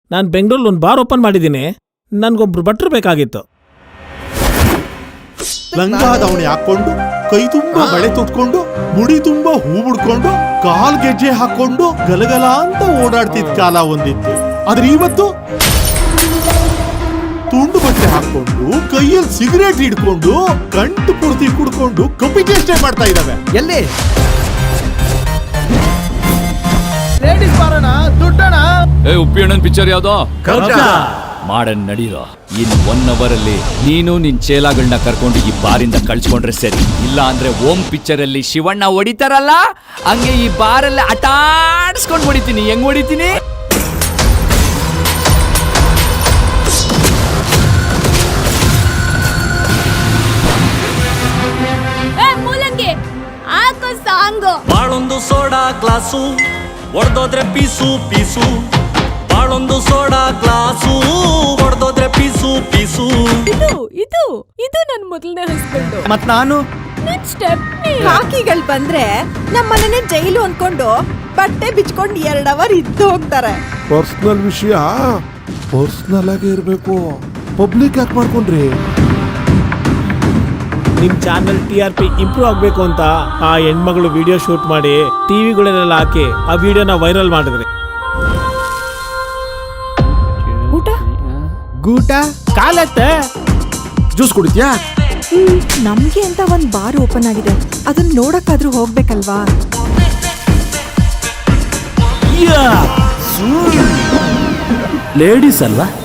ನಾನು ಬೆಂಗಳೂರಲ್ಲಿ ಒಂದು ಬಾರ್ ಓಪನ್ ಮಾಡಿದ್ದೀನಿ. ನನ್ಗೊಬ್ರು ಭಟ್ರು ಬೇಕಾಗಿತ್ತು. ಲಂಗಾದವಣೆ ಹಾಕೊಂಡು, ಕೈ ತುಂಬಾ ಬಳೆ ತೊಟ್ಕೊಂಡು, ಮುಡಿ ತುಂಬಾ ಹೂ ಮುಡ್ಕೊಂಡು, ಕಾಲ್ ಗೆಜ್ಜೆ ಹಾಕೊಂಡು ಗಲಗಲ ಅಂತ ಓಡಾಡ್ತಿದ್ ಕಾಲ ಒಂದಿತ್ತು. ಆದ್ರೆ ಇವತ್ತು ತುಂಡು ಬಟ್ಟೆ ಹಾಕೊಂಡು, ಕೈಯಲ್ಲಿ ಸಿಗರೇಟ್ ಹಿಡ್ಕೊಂಡು, ಗಂಟು ಪೂರ್ತಿ ಕುಡ್ಕೊಂಡು ಕಪ್ಪಿ ಚೇಷ್ಟೆ ಮಾಡ್ತಾ ಇದ್ದಾವೆ. ಎಲ್ಲಿ ಲೇಡೀಸ್ ಬಾರಣ ದುಡ್ಡಣ. ಉಪ್ಪಿ ಅಣ್ಣನ್ ಪಿಕ್ಚರ್ ಯಾವ್ದೋ ಮಾಡನ್ ನಡೀರೋ. ಇನ್ 1 hour ಅಲ್ಲಿ ನೀನು ನಿನ್ ಚೇಲಾಗಳನ್ನ ಕರ್ಕೊಂಡು ಈ ಬಾರಿಂದ ಕಳ್ಸ್ಕೊಂಡ್ರೆ ಸರಿ. ಇಲ್ಲ ಅಂದ್ರೆ ಓಂ ಪಿಕ್ಚರ್ ಅಲ್ಲಿ ಶಿವಣ್ಣ ಹೊಡಿತಾರಲ್ಲ ಹಂಗೆ ಈ ಬಾರಲ್ಲಿ ಆಟಾಡ್ಸ್ಕೊಂಡ್ ಹೊಡಿತೀನಿ. ಹೆಂಗ್ ಹೊಡಿತೀನಿ? ಬಾಳೊಂದು ಸೋಡಾ ಗ್ಲಾಸು ಒಡ್ದೋದ್ರೆ ಪೀಸು ಪೀಸು. ಬಾಳೊಂದು ಸೋಡಾ ಗ್ಲಾಸು ಒಡ್ದೋದ್ರೆ ಪೀಸು ಪೀಸು. ಇದು ನನ್ ಮೊದಲನೇ ಹಸ್ಬೆಂಡ್. ಮತ್ ನಾನು ಕಾಕಿಗಳು ಬಂದ್ರೆ ನಮ್ಮನೆ ಜೈಲು ಅನ್ಕೊಂಡು ಬಟ್ಟೆ ಬಿಚ್ಕೊಂಡು 2 hour ಇದ್ದು ಹೋಗ್ತಾರೆ. ಪರ್ಸನಲ್ ವಿಷಯ ಪರ್ಸನಲ್ ಆಗಿ ಇರ್ಬೇಕು. ಪಬ್ಲಿಕ್ ಯಾಕೆ ಮಾಡ್ಕೊಂಡ್ರಿ? ನಿಮ್ ಚಾನಲ್ TRP ಇಂಪ್ರೂವ್ ಆಗ್ಬೇಕು ಅಂತ ಆ ಹೆಣ್ಮಗಳು ವಿಡಿಯೋ ಶೂಟ್ ಮಾಡಿ ಟಿವಿಗಳನ್ನೆಲ್ಲ ಹಾಕಿ ಆ ವಿಡಿಯೋನ ವೈರಲ್ ಮಾಡಿದ್ರಿ. ಗೂಟ ಕಾಲತ್ತೆ ಜ್ಯೂಸ್ ಕುಡಿದ್ಯಾ? ನಮ್ಗೆ ಅಂತ ಒಂದ್ ಬಾರ್ ಓಪನ್ ಆಗಿದೆ, ಅದನ್ನ ನೋಡಕ್ಕಾದ್ರೂ ಹೋಗ್ಬೇಕಲ್ವಾ? ಲೇಡೀಸ್ ಅಲ್ವಾ?